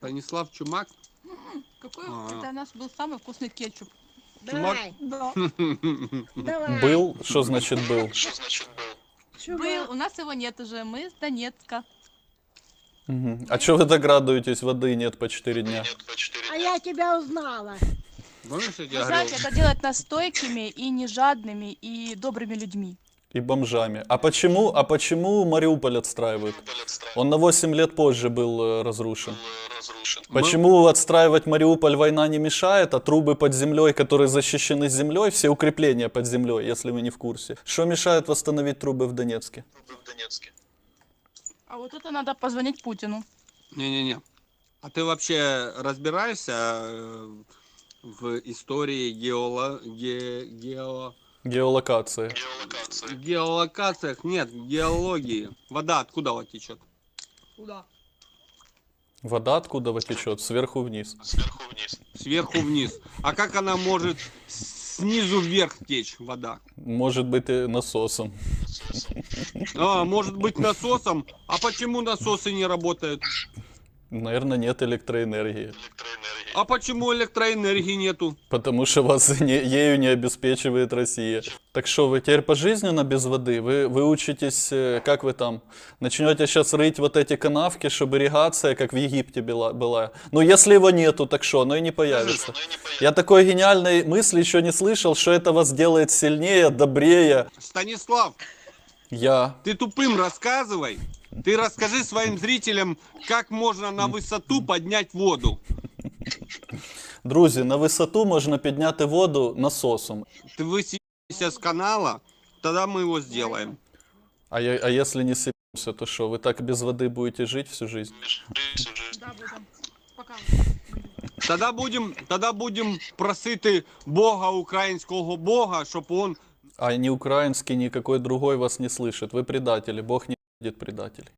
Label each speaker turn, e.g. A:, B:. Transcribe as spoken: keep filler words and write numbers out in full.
A: Станислав Чумак?
B: Какой
A: А.
B: это у нас был самый вкусный кетчуп.
C: Давай,
B: Да.
C: давай.
D: Был? Что значит был?
B: Был, у нас его нет уже, мы с Донецка.
D: Мгм. А что вы так радуетесь, воды нет по четыре дня?
C: А я тебя узнала.
A: Помнишь, я
B: Вы
A: тебе говорил?
B: знаете, это делает нас стойкими и не жадными и добрыми людьми.
D: И бомжами. А почему, а почему Мариуполь отстраивают? Он на восемь лет позже был э, разрушен. Почему отстраивать Мариуполь война не мешает, а трубы под землей, которые защищены землей, все укрепления под землей, если вы не в курсе? Что мешает восстановить трубы в Донецке?
B: А вот это надо позвонить Путину.
A: Не-не-не. А ты вообще разбираешься э, в истории геоло... ге... гео...
D: Геолокации.
A: геолокациях? Нет, геологии. Вода откуда вот течет?
B: Куда?
D: Вода откуда вот течет? Сверху вниз.
A: Сверху вниз. А как она может снизу вверх течь, вода?
D: Может быть и насосом.
A: А, может быть насосом? А почему насосы не работают?
D: Наверное, нет электроэнергии.
A: А почему электроэнергии нету?
D: Потому что вас не, ею не обеспечивает Россия. Так что, вы теперь пожизненно без воды? Вы, вы учитесь, э, как вы там, начнете сейчас рыть вот эти канавки, чтобы ирригация, как в Египте была? была. Ну, если его нету, так что, оно и не появится. Я такой гениальной мысли еще не слышал, что это вас делает сильнее, добрее.
A: Станислав,
D: Я.
A: ты тупым рассказывай. Ты расскажи своим зрителям, как можно на высоту поднять воду.
D: Друзі, на висоту можна підняти воду насосом.
A: Ты высадишься с канала, тогда мы его сделаем.
D: А, я, а если не сыпемся, то что, вы так без воды будете жить всю жизнь?
B: Да, будем. Пока.
A: Тогда будем, тогда будем просити Бога, українського Бога, щоб он
D: А ни украинский, никакой другой вас не слышит. Вы предатели, Бог не видит предателей.